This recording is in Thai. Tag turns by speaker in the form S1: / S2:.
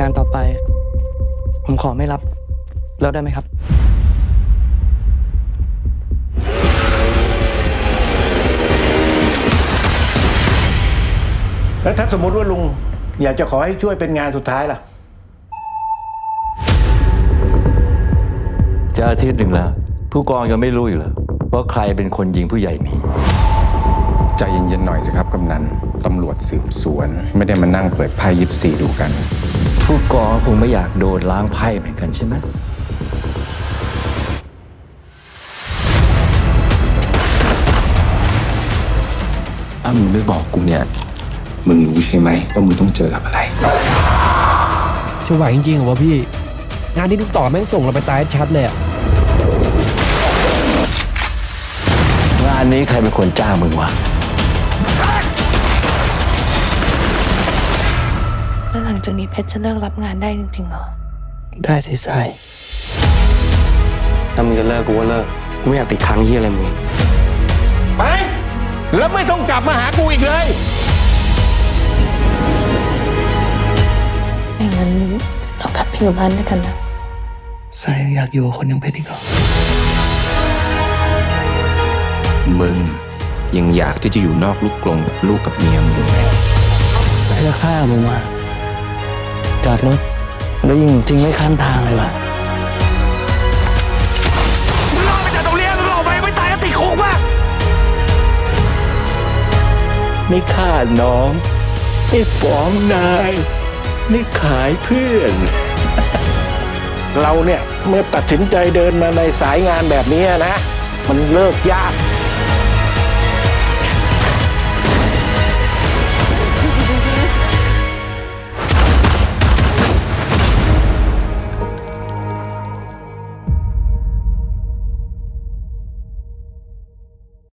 S1: งานต่อไป ผมขอไม่รับ แล้วได้ไหมครับ
S2: แล้วถ้าสมมติว่าลุงอยากจะขอให้ช่วยเป็นงานสุดท้ายล่ะ
S3: จะอาทิตย์หนึ่งแล้ว ผู้กองยังไม่รู้อยู่เหรอว่าใครเป็นคนยิงผู้ใหญ่หนี
S4: ใจเย็นๆหน่อยสิครับกำนันตำรวจสืบสวน ไม่ได้มานั่งเปิดไพ่ยิปซีดูกัน
S3: ผู้กองคงไม่อยากโดนล้างไพ่เหมือนกันใช่ไหม
S5: ถ้ามึงไม่บอกกูเนี่ย มึงรู้ใช่ไหมว่ามึงต้องเจอกับอะไร
S6: จะไหวจริงๆเหรอวะพี่ งานที่ลูกต่อแม่งส่งเราไปตายชัดเลยอะ
S3: งานนี้ใครเป็นคนจ้างมึงวะ
S7: แล้วหลังจากนี้เพชรจะเลิกรับงานได้จริงๆเหรอ
S1: ได้สิทรายถ้ามึงจะเลิกกูก็เลิก กูไม่อยากติดค้างที่อะไรมึง
S2: ไป แล้วไม่ต้องกลับมาหากูอีกเลย
S7: ไม่งั้นเรากลับไปอยู่บ้านด้วยกันนะ
S1: ทรายยังอยากอยู่กับคนอยังเพชรอีกเหรอ
S5: มึงยังอยากที่จะอยู่นอกลูกกรงกับลูกกับเมียมึงอยู่ไหม
S1: เพื่อฆ่ามึงมาจอดรถ แล้วยิงจริงไม่ข้ามทางเลยว่ะ
S3: ไม่ฆ่าน้อง ไม่ฟ้องนาย ไม่ขายเพื่อน
S2: เราเนี่ยเมื่อตัดสินใจเดินมาในสายงานแบบนี้นะ มันเลิกยาก